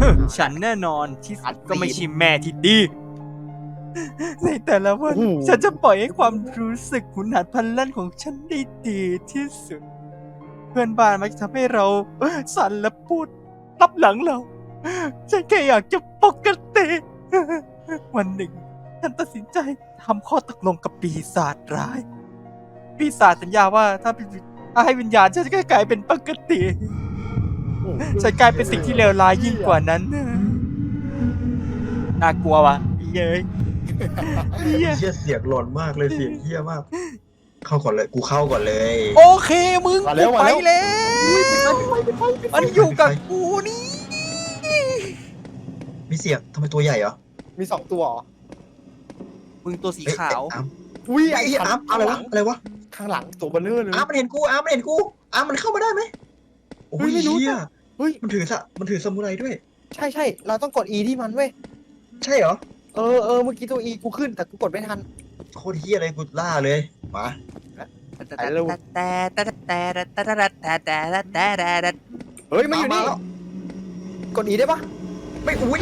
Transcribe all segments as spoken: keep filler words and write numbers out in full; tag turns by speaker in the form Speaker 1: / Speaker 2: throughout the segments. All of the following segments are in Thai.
Speaker 1: ฉันแน่นอนที่สุดก็ไม่ใช่แม่ที่ดีในแต่ละวันฉันจะปล่อยให้ความรู้สึกหุนหันพลันแล่นของฉันได้ดีที่สุด เพื่อนบ้านมักจะทำให้เราสั่นและพูดรับหลังเรา ฉันแค่อยากจะปกติ วันหนึ่ง ฉันตัดสินใจทำข้อตกลงกับปีศาจร้าย ปีศาจสัญญาว่าถ้าถ้าให้วิญญาณฉันจะกลายเป็นปกติ ฉันกลายเป็นสิ่งที่เลวร้ายยิ่งกว่านั้น น่ากลัวว่ะเย้ย
Speaker 2: เฮียเสียงหลอนมากเลยเสียงเฮียมาก เข้าก่อนเลยกูเข้าก่อนเลย
Speaker 1: โอเคมึงกูไปแล้วมันอยู่กับกูนี่
Speaker 2: มีเสียงทำไมตัวใหญ่เหรอ
Speaker 3: มีสองตัวเหรอ
Speaker 1: มึงตัวสีขาว
Speaker 2: อาร์ม
Speaker 3: อุ้ย
Speaker 2: ไอ้เหี้ยอาร์มอะไรวะอะไรวะ
Speaker 3: ข้างหลังตัวเบลเลอร์เลย
Speaker 2: อาร์มมันเห็นกูอาร์มมันเห็นกูอาร์มมันเข้ามาได้ไหมโอ้ยเฮีย
Speaker 3: เฮ้ย
Speaker 2: มันถือสะมันถือซามูไรด้วย
Speaker 3: ใช่ใช่เราต้องกด E ที่มันเว้ย
Speaker 2: ใช่เหรอ
Speaker 3: เออเออเมื่อกี้ตัว E กูขึ้นแต่กูกดไม่ทัน
Speaker 2: โคตรเฮียเลยกูล่าเลยมา
Speaker 1: แต่แต่แต่แต่แต่แต่แต่แต่แต่แต่แต่
Speaker 3: เฮ้ยมันอยู่นี่กด E ได้ปะ
Speaker 2: ไม่อุ้ย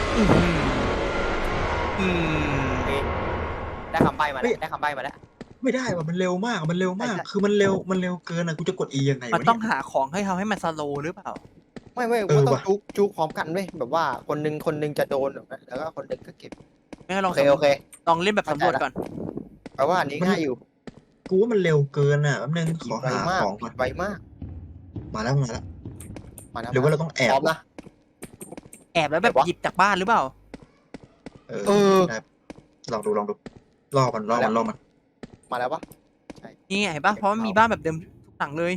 Speaker 1: อืม
Speaker 3: ได้คำใบ้มาแล้วได้คำใบ้มาแล้ว
Speaker 2: ไม่ได้ว่ะมันเร็วมากมันเร็วมาก คือมันเร็วมันเร็วเกินอ่ะกูจะกด E ยังไง
Speaker 1: มัน
Speaker 2: วะ
Speaker 1: ต้อง
Speaker 2: เนี่ย
Speaker 1: หาของให้ทำให้มันสโลหรือเปล่า
Speaker 3: ไม่ไม่
Speaker 2: เอ
Speaker 3: กู
Speaker 2: อ
Speaker 3: ต้อง
Speaker 2: ว่ะ
Speaker 3: จุกจุกพร้อมกันเว้ยแบบว่าคนนึงคนนึงจะโดนแล้วก็คนนึงก็เก็บ
Speaker 1: ไม่ล
Speaker 3: โอ
Speaker 1: อง
Speaker 3: เคโอเค
Speaker 1: ลองเล่นแบบสำรวจก่อน
Speaker 3: แปลว่าอันนี้ง่ายอยู่
Speaker 2: กูว่ามันเร็วเกินอ่ะแป๊บนึงขอ
Speaker 3: ไว
Speaker 2: หาม
Speaker 3: าก
Speaker 2: ของก่อน
Speaker 3: ไวมาก
Speaker 2: มาแล้วมาแล้ว
Speaker 3: มาแล้ว
Speaker 2: หรือว่าเราต้องแอ
Speaker 3: พ
Speaker 2: บ
Speaker 3: ร้อมนะ
Speaker 1: แอบแล้วแบบ
Speaker 3: แบบวะ
Speaker 1: หยิบจากบ้านหรือเปล่า
Speaker 2: เออ
Speaker 3: เออ
Speaker 2: ได้ลองดูลองดูล่อมันล่อมันล่อมัน
Speaker 3: มาแล้วปะ
Speaker 1: นี่ไงเห็นปะเพราะมันมีบ้านแบบเดิมทุกหลังเลย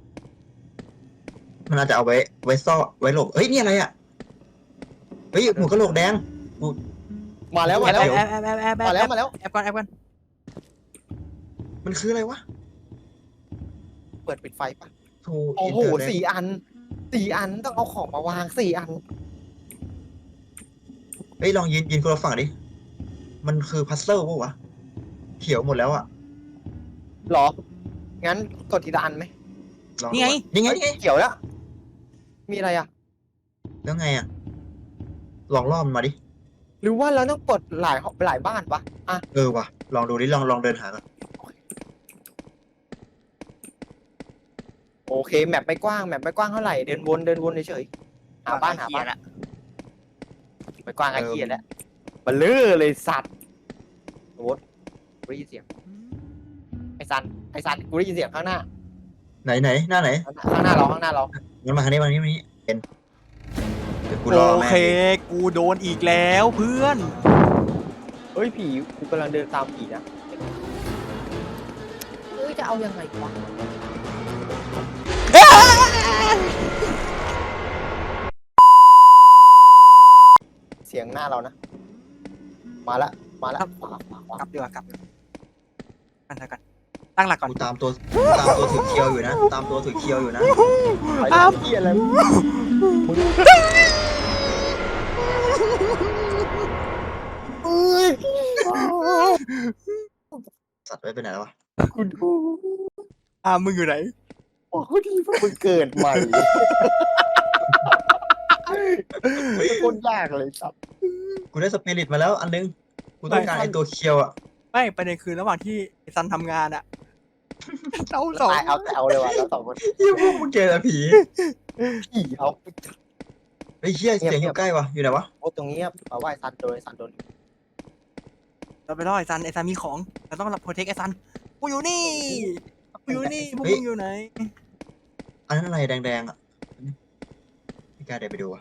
Speaker 2: มันอาจจะเอาไว้ไว้ซ่อไว้หลบเฮ้ยนี่อะไรอ่ะเฮ้ยหัวกะโหลกแดง
Speaker 3: มาแล้วมา
Speaker 1: แอบ
Speaker 3: แล้ว
Speaker 1: แอบแอบแอบแอบแอบ
Speaker 3: มาแล้วมาแล้ว
Speaker 1: แอบก่อนแอบก่อน
Speaker 2: มันคืออะไรวะ
Speaker 3: เปิดปิดไฟปะ
Speaker 2: โธ่
Speaker 3: โอ้โห
Speaker 2: อินเตร์เน็ต
Speaker 3: สี่อันสี่อันต้องเอาของมาวางสี่อัน
Speaker 2: เฮ้ยลองยืนยืนคนละฝั่งดิมันคือพัซเซิลปะวะเขียวหมดแล้วอ่ะ
Speaker 3: หรอ งั้นกดทีละอันไหม
Speaker 2: ลองดู
Speaker 1: นี่ไง
Speaker 2: ก่อนนี่ไงนี่ไง
Speaker 3: เขียวแล้ว มีอะไรอ่ะ
Speaker 2: แล้วไงอ่ะลองล่อมันมาดิ
Speaker 3: หรือว่าเราต้องกดหลายหลายบ้านปะอ่ะ
Speaker 2: เออว่ะลองดูดิลองลองเดินหาก่อน
Speaker 3: โอเค แมปไม่กว้าง แมปไม่กว้างเท่าไหร่ เดินวน เดินวนเฉยๆหาบ้านหาบ้าน
Speaker 1: ละ
Speaker 3: ไม่กว้างไอ้เกียแล้วมันเลือเลยสัตว์โอ้ยกูได้ยินเสียง ไอ้ซัน ไอ้ซัน กูได้ยินเสียงข้างหน้า
Speaker 2: ไหนไหนหน้าไหน
Speaker 3: ข้างหน้าเรา ข้างหน้าเรา
Speaker 2: งั้นมาทางนี้มาทางนี้มาทางนี้เป็นเดี๋ยวกูรอ
Speaker 1: โอ
Speaker 2: แม่ง
Speaker 1: เค กูโดนอีกแล้วเพื่อน
Speaker 3: เฮ้ยผี กูกำลังเดินตามผีนะเฮ้ยจะเอายังไงวะ เสียงหน้าเรานะ มาละ มาละขวาขวาขวาก
Speaker 1: ลับดีกว่ากลับกันเถอะกันตั้งหลักก่อน
Speaker 2: กูตามตัวตามตัวถือเคียวอยู่นะ ตามตัวถือเคียวอยู่นะ
Speaker 3: ไปเลยเหี้ยอะไรมึง
Speaker 2: สัตว์ไว้ไปไหนแล้ววะ
Speaker 3: กูดู
Speaker 1: อ่ามึงอยู่ไหน
Speaker 3: โอ้ดีพวกมึงเกิดใหม่โคตรยากเลยครับ
Speaker 2: กูได้สปิริตมาแล้วอันนึงกูต้องการไอ้ตัวเคียวอ่ะ
Speaker 1: ไม่ประเด็นคือระหว่างที่ไอ้ซันทำงานอะ เราสอง
Speaker 3: ตายเอาแต่เอาเลยว่ะเราสองคน
Speaker 2: ยี่พวกมึงเจอแต่ผี
Speaker 3: ผีเอา
Speaker 2: ไอ้เหี้ยเสียงอยู่ใกล้วะอยู่ไหนวะ
Speaker 3: โอ้ตรงนี้เอาไว้ซันโดนซันโดน
Speaker 1: เราไปล่อไอ้ซันไอ้ซันมีของเราต้องรับโปรเทคไอ้ซันกูอยู่นี่กูอยู่นี่พวกมึงอยู่ไหน
Speaker 2: อันนั้นอะไรแดงๆอ่ะไม่กล้าเดินไปดูอ่ะ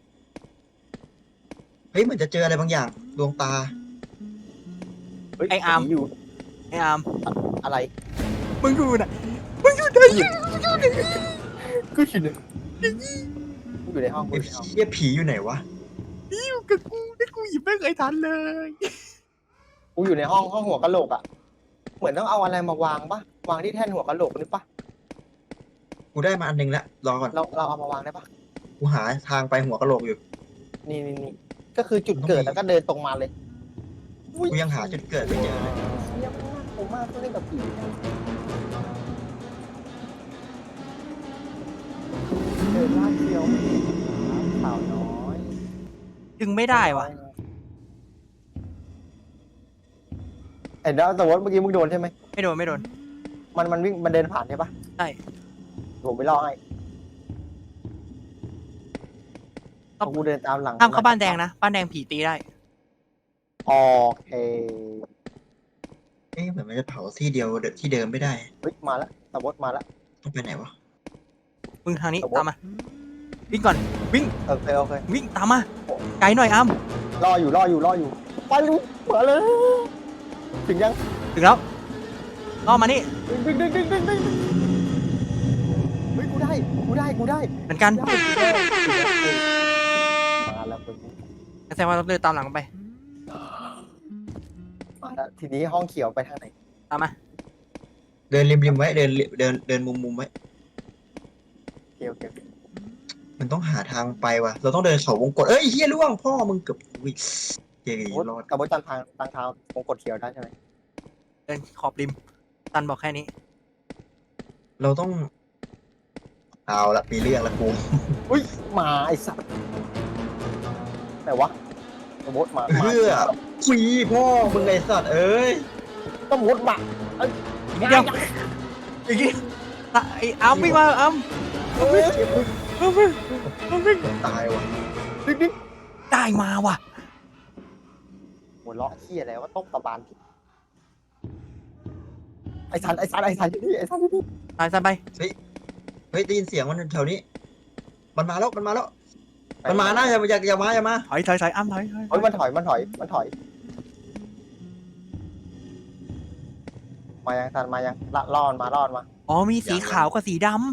Speaker 2: เฮ้ยเหมือนจะเจออะไรบางอย่างดวงตา
Speaker 3: อยู่
Speaker 1: ไอ้อาร์ม
Speaker 3: อะไร
Speaker 1: มึงอยู่ไหนมึงอยู่ไหน
Speaker 3: กูอยู่ในกูอยู่ในห้องกู
Speaker 2: ไอ้
Speaker 3: อยู่ในห้อง
Speaker 2: เหี้ยผีอยู่ไหนวะ
Speaker 1: อยู่กับกูนี่กูหยิบไม่เคยทันเลย
Speaker 3: กูอยู่ในห้องห้องหัวกะโหลกอ่ะเหมือนต้องเอาอะไรมาวางปะวางที่แท่นหัวกะโหลกนี่ปะ
Speaker 2: กูได้มาอันนึงแล้วรอก่อน
Speaker 3: เราเราเอามาวางได้ปะ
Speaker 2: กูหาทางไปหัวกะโหลกอยู่
Speaker 3: นี่นี่นี่ก็คือจุดเกิดแล้วก็เดินตรงมาเลย
Speaker 2: กูยังหาจุดเกิดไม่เจอเลย
Speaker 3: ยังไม่น่ากลัวมากต้องเล่นกับผีเดินลาดเดียวสาวน้อย
Speaker 1: ดึงไม่ได้วะ
Speaker 3: เห็นแล้วแต่ว่าเมื่อกี้มึงโดนใช่ไหม
Speaker 1: ไม่โดนไม่โดน
Speaker 3: มันมันวิ่งมันเดินผ่านใช่ปะ
Speaker 1: ใช่
Speaker 3: ผมไปล่อให้เอากูเดินตามหลัง
Speaker 1: ห้ามเข้าบ้านแดงนะบ้านแดงผีตีได้
Speaker 3: โอเค
Speaker 2: เอ๊ะเหมือนมันจะเผาที่เดียวเดที่เดิมไม่ได้
Speaker 3: เฮ้ยมาแล้วตะบดมาแล้ว
Speaker 2: ต้องไปไหนวะ
Speaker 1: มึงทางนี้
Speaker 3: ครับผม
Speaker 1: ตามมาวิ่งก่อนวิ่ง
Speaker 3: โอเคโอเค
Speaker 1: วิ่งตามมาไกลหน่อยอ้ำ
Speaker 3: รออยู่รออยู่รออยู่ไปลูกมาเลยถึงยัง
Speaker 1: ถึงแล้วล่อมานี่
Speaker 3: ดึงดึงดึงดึงดึงดึงเฮ้ยกูได้กูได้กูได้
Speaker 1: เหมือนกัน
Speaker 3: ได้กูได้มาแล้วมึง
Speaker 1: แสดงว่าเราเดินตามหลังไป
Speaker 3: มาแล้วทีนี้ห้องเขียวไปทางไหน
Speaker 1: ตามมา
Speaker 2: เดินริมริมไว้เดินเดินเดินมุมมุมไว้
Speaker 3: เกี่ยวเกี่ยว
Speaker 2: มันต้องหาทางไปว่ะเราต้องเดินเขาวงกตเอ้ยเฮียล่วงพ่อมึงเกือบวิ่งเฮ้ยรอด
Speaker 3: ตะบดจันทางทางเท้าวงกดเขียวได้ใช่ไหม
Speaker 1: เดินขอบริมตันบอกแค่นี้
Speaker 2: เราต้องเอาละมีเรื่องละกู
Speaker 3: อุ้ยมาไอ้สัตว์ไหนวะตะบดมา
Speaker 2: เพื่อคุยพ่อมึงไอสัตว์เอ้ย
Speaker 3: ตะบดมาเอ้ย
Speaker 1: นิดเดียวอีกนิดตะไอ้อ้ำวิ่งมาอ้ำ
Speaker 3: เฮ้ย
Speaker 1: อ้ำวิ่งอ้ำวิ่ง
Speaker 2: ตายว่ะ
Speaker 3: ดึงดึง
Speaker 1: ได้มาว่ะ
Speaker 3: หัวเราะเหี้ยอะไรว่าต้มตะบานไอ้สันไอ้สันไอ้สันที่นี่ไอ้สันที่นี่
Speaker 1: ตายซะไป
Speaker 2: เฮ้ยได้ยินเสียงมันแถวนี้ มันมาแล้วมันมาแล้ว มันมานะอย่าอย่าอย่ามาอย่ามา
Speaker 1: ถอยถอยถอยอ้ำถอยถอย
Speaker 3: เฮ้ยมันถอยมันถอยมันถอยมายังสันมายังละล่อมันมาล่อมันมา
Speaker 1: อ๋อมีสีขาวกับสีดำ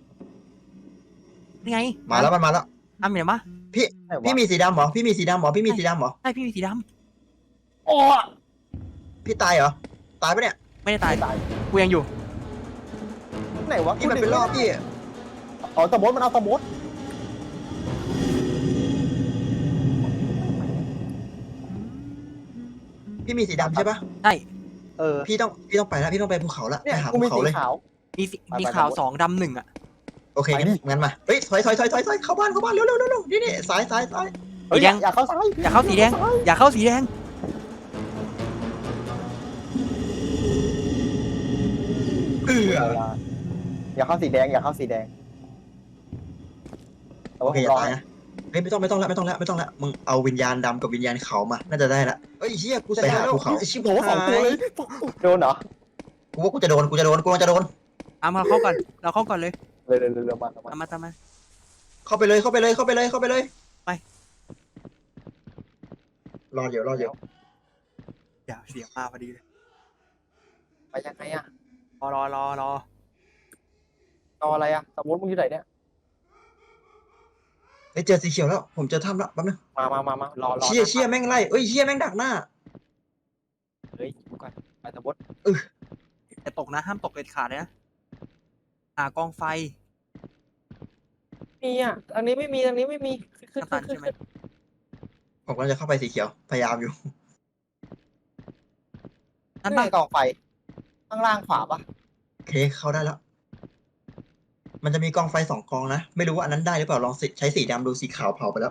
Speaker 1: นี่ไง
Speaker 2: มาแล้วมันมาแล้ว
Speaker 1: อ้ำเห็นปะ
Speaker 3: ไหนวะ
Speaker 2: พี่มีสีดำเหรอพี่มีสีดำเหรอพี่มีสีดำเหรอ
Speaker 1: ใช่พี่มีสีด
Speaker 3: โอ้
Speaker 2: พี่ตายเหรอตายปะเนี่ย
Speaker 1: ำไม่ได้ตาย
Speaker 3: ตาย
Speaker 1: กูยังอยู่
Speaker 3: ไหนวะ
Speaker 2: พี่มันเป็นรอบพี่
Speaker 3: อ๋อตะบดมันเอาตะบด
Speaker 2: พี่มีสีดำใช่ปะ
Speaker 1: ใช่
Speaker 3: เออ
Speaker 2: พี่ต้องพี่ต้องไปแล้วพี่ต้องไปภูเขาละ
Speaker 3: เนี่ย
Speaker 2: ไปหา
Speaker 3: กู
Speaker 2: ภู
Speaker 3: มี
Speaker 2: เขา
Speaker 3: สี
Speaker 2: เลย
Speaker 3: ขาว
Speaker 1: มีสี
Speaker 3: ไปไป
Speaker 1: มีขาว
Speaker 3: ไป
Speaker 1: สองดำหนึ่งอ่ะ
Speaker 2: โอเคงั้นงั้นมาเฮ้ยถอยถอยถอยถอยถอยเข้าบ้านเข้าบ้านเร็วเร็วเร็วเร็วนี่นี่ซ้ายซ้ายซ้าย
Speaker 3: เฮ้ย
Speaker 1: สีแดง
Speaker 3: อยากเข้าซ้าย
Speaker 1: อยากเข้าสีแดง อย่าเข้าสีแดง
Speaker 2: เออ
Speaker 3: อยากเข้าสีแดงอยากเข้าสีแดงแต่
Speaker 2: โอ
Speaker 3: ว่า
Speaker 2: เค
Speaker 3: ผม
Speaker 2: อย่าร
Speaker 3: อ
Speaker 2: ตายนะเฮ้ยไม่ต้องไม่ต้องละไม่ต้องละไม่ต้องละมึงเอาวิญญาณดำกับวิญญาณขาวมาน่าจะได้ละเฮ้ยเชี่ยกู
Speaker 3: จะ
Speaker 2: ไป
Speaker 3: ได้
Speaker 2: หา
Speaker 3: แล้ว
Speaker 2: ภูเขา
Speaker 3: ชิบโหสองตัวเลยโดนเหรอ
Speaker 2: กูว่ากูจะโดนกูจะโดนกูจะโดน
Speaker 1: อ้ำเราเข้าก่อน เราเข้าก่อนเลย
Speaker 3: เลยเลยเลยเลยมามา
Speaker 1: ตามมาตามมา
Speaker 2: เข้าไปเลยเข้าไปเลยเข้าไปเลยเข้าไปเลย
Speaker 1: ไป
Speaker 2: รอเดี๋ยวรอเดี๋ยว
Speaker 1: อย่าเสียงมาพอดีเลย
Speaker 3: ไปยังไงอะ
Speaker 1: รอรอรอรอ
Speaker 3: รออะไรอะสมมติมึงอยู่ไหนเนี่ย
Speaker 2: เฮ้ยเจอสีเขียวแล้วผมเจอถ้ำแล้วแป๊บนึง
Speaker 3: มามามามารอรอ
Speaker 2: เชี่ยเชี่ยแม่งไล่เอ้ยเชี่ยแม่งดักหน้า
Speaker 3: เฮ้ยดูก่อนไปสมมติ
Speaker 1: แต่ตกนะห้ามตกเด็ดขาดเลยนะหากองไฟ
Speaker 3: มีอะอันนี้ไม่มีอันนี้ไม่มีขึ้น
Speaker 1: น้ำ
Speaker 3: ขึ้
Speaker 1: ตาน ล
Speaker 3: ขึ้น
Speaker 1: ใช่ไหม
Speaker 3: ขึ้น
Speaker 2: ผมกำลังจะเข้าไปสีเขียวพยายามอยู่
Speaker 1: นั่น
Speaker 3: นี่
Speaker 1: ปะ
Speaker 3: ไงกองไฟข้างล่างขวาปะ
Speaker 2: โอเคเข้าได้แล้ว มันจะมีกองไฟสองกองนะไม่รู้ว่าอันนั้นได้หรือเปล่าลองสิใช้สีดำดูสีขาวเผาไปแล้ว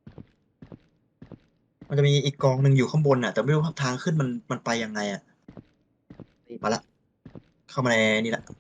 Speaker 2: มันจะมีอีกกองหนึ่งอยู่ข้างบนน่ะ แต่ไม่รู้ทางขึ้นมันมันไปยังไงอ่ะมาละเข้ามาในนี่แหละ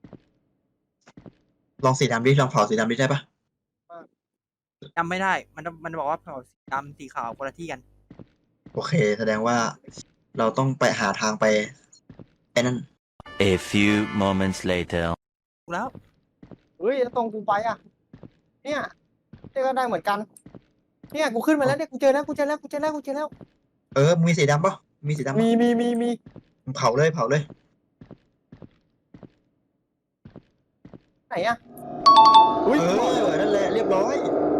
Speaker 2: ลองสีดำดิลองเผาสีดำดิได้ปะ
Speaker 1: จำไม่ได้ มันมันบอกว่าเผาสีดำสีขาวคนละที่กัน
Speaker 2: โอเค แสดงว่าเราต้องไปหาทางไปไอ้นั่น
Speaker 4: A few moments later.
Speaker 1: ถูกแล้ว
Speaker 3: เฮ้ยแล้วตรงกูไปอะเนี่ยเนี่ยก็ได้เหมือนกัน เนี่ยกูขึ้นมาแล้วเนี่ยกูเจอแล้วกูเจอแล้วกูเจอแล้วกูเจอแล้ว
Speaker 2: เออมีสีดำปะมีสีดำปะ
Speaker 3: มีมีมีมี
Speaker 2: เผาเลยเผาเลย
Speaker 3: ไหนอะ
Speaker 2: เอ
Speaker 3: อุ้ย
Speaker 2: อนั่นแหละเรียบร้อย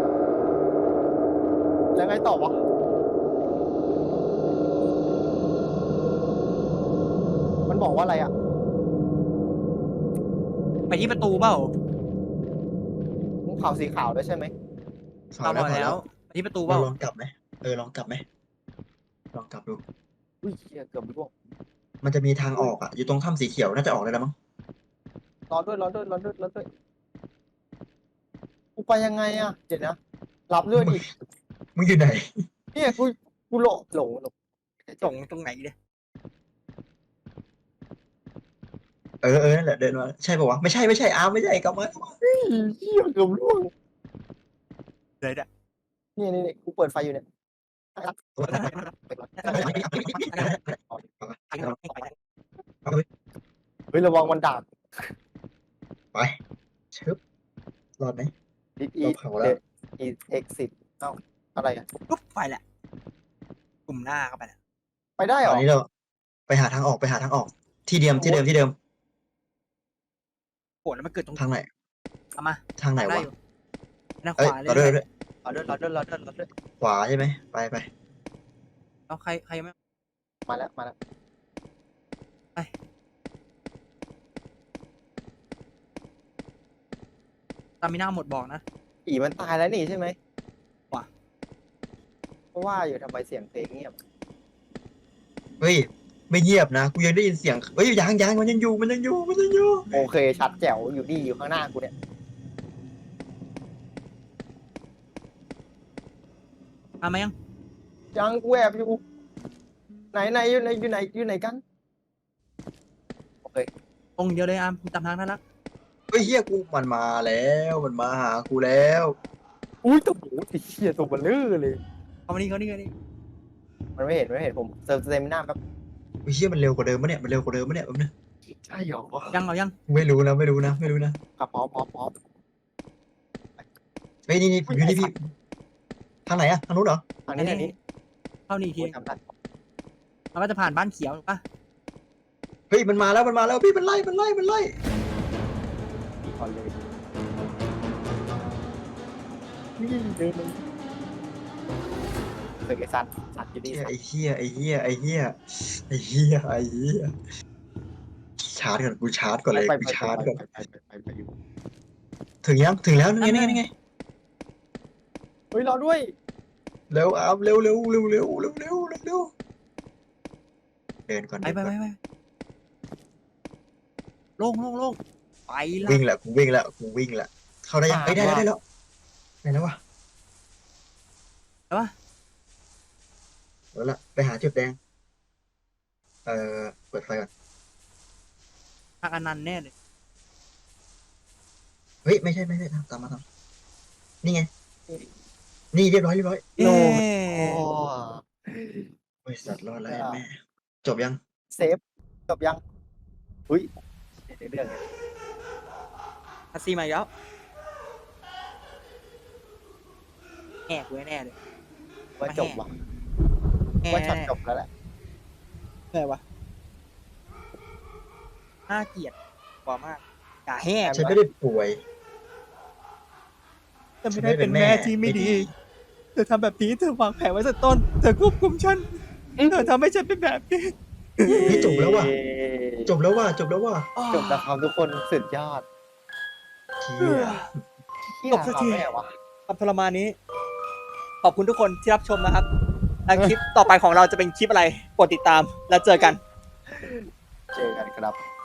Speaker 3: แล้วไงต่อวะมันบอกว่าอะไรอะ
Speaker 1: ไปที่ประตูเปล่า
Speaker 3: มึงเผาสีขาวด้วยใช่ไหม
Speaker 2: เผา
Speaker 1: เรา
Speaker 2: แล้ว
Speaker 1: บอก
Speaker 2: เผา
Speaker 1: แล้
Speaker 2: แล้ว ว
Speaker 1: ไปที่ประตูเป
Speaker 2: เรา
Speaker 1: ล่า
Speaker 2: ลองกลับไหมเออลองกลับไหมลองกลับดู
Speaker 3: อุ้ยเหี้ยเกือบร่วง
Speaker 2: มันจะมีทางออกอ่ะอยู่ตรงถ้ำสีเขียวน่าจะออกได้แล้วมั้ง
Speaker 3: รอด้วยรอด้วยรอด้วยรอด้วยกูไปยังไงอะเดี๋ยวนะรับเลือดอีก
Speaker 2: มึงอยู่ไหน
Speaker 3: เนี่ยกูกูหลงหลงหลง
Speaker 1: ส่งตรงไหนเนี่ย
Speaker 2: เออเออนั่นแหละเดินมาใช่ป่าวะไม่ใช่ไม่ใช่อาร์มไม่ใช่กลับมากลับมา
Speaker 3: เหี้ยเกือบล่วง
Speaker 1: เลยอ่ะ
Speaker 3: นี่นี่นี่กูเปิดไฟอยู่เนี่ยเฮ้ยระวังมันดาบ
Speaker 2: ไปชึบรอดไหม
Speaker 3: อีอี
Speaker 2: เราเผาแล้ว
Speaker 3: อีเอ็กซิสเอ้าอะไรอ่ะ
Speaker 1: ปุ๊บไปแหละกลุ่มหน้าเข้าไปนะ
Speaker 3: ไปได้เหร
Speaker 2: ตอ
Speaker 3: อน
Speaker 2: นี้เราไปหาทางออกไปหาทางออก ที่เดิมที่เดิมที่เดิม
Speaker 1: โหแล้วมันเกิดตรง
Speaker 2: ทางไหน
Speaker 1: เอามา
Speaker 2: ทางไหน
Speaker 1: ได้
Speaker 2: วะ
Speaker 1: อยู่หน้าข
Speaker 2: เอ้ยว
Speaker 1: าเล
Speaker 2: เราด้วย
Speaker 1: ย
Speaker 2: ด้วย
Speaker 1: รอเดินรอเดินรอเดินรอเดิน
Speaker 2: ขวาใช่ไหมไปไป
Speaker 1: แล้วใครใครยังไม่
Speaker 3: มาแล้วมาแล้ว
Speaker 1: ตามิน่าหมดบอกนะ
Speaker 3: อีมันตายแล้วนี่ใช่ไหม
Speaker 1: ว่ะ
Speaker 3: เพราะว่าอยู่ทำไมเสียงเพลงเงียบ
Speaker 2: เฮ้ยไม่เงียบนะกูยังได้ยินเสียงเฮ้ยยังยังมันยังอยู่มันยังอยู่มันยังอยู่
Speaker 3: โอเคชัดแจ๋วอยู่นี่อยู่ข้างหน้ากูเนี่ย
Speaker 1: มาไหมยัง
Speaker 3: ยังกูแอบอยู่ไหนไหนอยู่ไหนอยู่ไหนอยู่ไหนกันโอเค
Speaker 1: ตรงเดียวเลยอามตามทางนั้นละ
Speaker 2: เฮ้ยเฮียกูมันมาแล้วมันมาหากูแล้ว
Speaker 3: อุ้ยตัวหมูติเชี่ยตัวเบลเลอร์เลย
Speaker 1: เข้ามานี่เขานี่เขานี่
Speaker 3: มันไม่เห็นไม่เห็นผมเติมเต็มหน้าแบบ
Speaker 2: เฮ้ยเฮียมันเร็วกว่าเดิมปะเนี่ยมันเร็วกว่าเดิมปะเนี่ยแป๊บนึง
Speaker 3: ใช่หรอ
Speaker 1: ยังเอายัง
Speaker 2: ไม่รู้นะไม่รู้นะไม่รู้นะ
Speaker 3: อ่ะพร้อมพร้อมพร้อม
Speaker 2: เฮ้ยนี่นี่ผมอยู่นี่พี่ทางไหนอะทางนู้นเหรอ
Speaker 3: ทางนี้ทางนี้
Speaker 1: เข้านี่อีกที
Speaker 3: โอ้ยจำได้
Speaker 1: มันก็จะผ่านบ้านเขียวถูกปะ
Speaker 2: เฮ้ยมันมาแล้วมันมาแล้วพี่มันไล่มันไล่มันไล่
Speaker 3: มีก่อนเลยนี่เดินเลยเคยไอ้สัตว์สัตว์อยู่นี่สัตว์
Speaker 2: ไอ้เฮียไอ้เฮียไอ้เฮียไอ้เฮียไอ้เฮียชาร์จก่อนกูชาร์จก่อนเลย
Speaker 3: ไป
Speaker 2: กู
Speaker 3: ไป
Speaker 2: ชาร์จก่อน
Speaker 3: ไปไปไปไปไปอยู่
Speaker 2: ถึงยังถึงแล้วนี่ไงนี่ไงนี่ไง
Speaker 3: เฮ้ยรอด้วย
Speaker 2: เร็วอาร์มเร็วเร็วเร็วเร็วเร็วเร็วเร็วเร็วเดินก่อน
Speaker 1: ไป
Speaker 2: เดิน
Speaker 1: ไป
Speaker 2: ก่
Speaker 1: ไป
Speaker 2: อน
Speaker 1: ไปโล่งโล่งโล่งไปละ
Speaker 2: วิ่งแหละกูวิ่งแล้วกูวิ่งแล้วเข้าได้ยัง
Speaker 3: อ่า
Speaker 2: เอ้ยได้แล้วได้แล้วได้แล้ววะ
Speaker 1: แล้ววะ
Speaker 2: เอาละไปหาจุดแดงเอ่อเปิดไฟก่อน
Speaker 1: ทางอนันต์แน่เลย
Speaker 2: เฮ้ยไม่ใช่ไม่ใช่ตามตามมาตามนี่ไงนี่เรียบร้อยเรียบร้อย
Speaker 1: เอ๊ะ
Speaker 3: โอ้
Speaker 2: บริษัทรอดแล้วแม่จบยัง
Speaker 3: เซฟจบยังอุ้ยเดี๋ยวเรื่องเนี่ย
Speaker 1: อาซีมาอีกแล้วแอบกูแน่เลย
Speaker 3: ว่าจบว่ะ
Speaker 1: แอบ
Speaker 3: ว่าช็อตจบแล้วแหละ
Speaker 1: แน่วะน่าเกลียดกว่ามากด่าแห้ง
Speaker 2: ฉันไม่ได้ป่วย
Speaker 1: จะไม่ได้เป็นแม่ที่ไม่ดี เธอทำแบบนี้เธอวางแผนไว้ตั้งแต่ต้น เธอควบคุมฉัน เธอทำให้ฉันเป็นแบบนี้
Speaker 2: เฮ้ยจบแล้วว่ะจบแล้วว่ะจบแล้วว่ะ
Speaker 3: จบแล้วครับทุกคนสุดยอด
Speaker 2: เชี่ย
Speaker 3: เที่ย
Speaker 1: จบสักที
Speaker 3: ทำได้ไงวะ
Speaker 1: ความทรมานนี้ ขอบคุณทุกคนที่รับชมนะครับ และคลิปต่อไปของเราจะเป็นคลิปอะไร กดติดตามแล้วเจอกัน
Speaker 3: เจอกันครับ